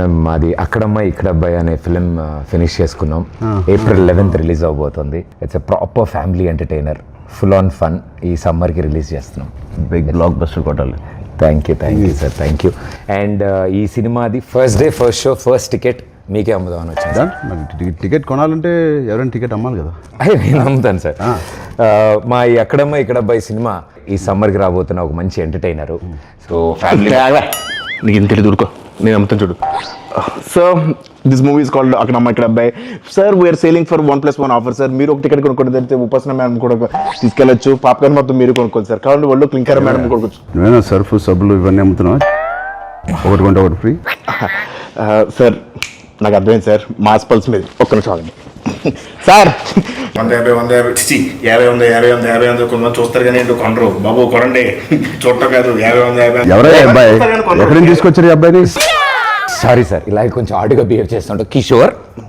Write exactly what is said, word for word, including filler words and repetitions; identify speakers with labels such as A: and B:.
A: మాది అక్కడమ్మ ఇక్కడ అబ్బాయి అనే film finish చేసుకున్నాం. ఏప్రిల్ లెవెన్త్ రిలీజ్ అవబోతుంది. It's a proper family entertainer, full on fun. ఈ సమ్మర్కి రిలీజ్ చేస్తున్నాం.
B: బిగ్ బ్లాక్ బస్టర్ కొట్టాలి.
A: Thank you thank you sir, thank you. And ఈ సినిమాది first day first show first ticket మీకే అమ్ముదామని వచ్చింది.
B: టికెట్ కొనాలంటే ఎవరైనా టికెట్ అమ్మాలి కదా.
A: అయ్యే నేను అమ్ముతాను సార్. మా ఈ అక్కడమ్మ ఇక్కడ అబ్బాయి సినిమా ఈ సమ్మర్కి రాబోతున్న ఒక మంచి ఎంటర్టైనరు. సో ఫ్యామిలీ
C: నీకు ఇంత తెలియదు ఊరుకో, నేను అమ్ముతాను చూడు. Sir this movie is called Akkadamma Ikkada Abbayi. Sir we are selling for one plus one offer sir. మీరు ఒక టికెట్ కొనుక్కోండి, తెలిస్తే ఉపాసన మేడం కూడా తీసుకెళ్ళచ్చు. పాప్కార్న్ మొత్తం మీరు కొనుక్కోండి సార్. కావాలంటే వాళ్ళు క్లింకర్ మేడం కొనుక్కోవచ్చు.
B: నువ్వేనా సర్ఫ్ సబ్బులు ఇవన్నీ అమ్ముతున్నావా? ఒకటి కొంటే ఒకటి ఫ్రీ.
C: సార్ నాకు అర్థమైంది సార్, మాస్ పల్స్ మీద ఒక్క నిమిషం ఆగండి సార్.
D: వంద యాభై వంద యాభై యాభై వంద యాభై వంద యాభై వంద కొంతమంది చూస్తారు కానీ ఏంటో కొనరు బాబు. కొనండి, చూడటం కాదు. యాభై వంద యాభై
B: ఎవరైనా అబ్బాయి ఎక్కడి నుంచి తీసుకొచ్చారు ఈ అబ్బాయిని?
A: సారీ సార్, ఇలాగే కొంచెం ఆడుగా బిహేవ్ చేస్తుంటాం. కిషోర్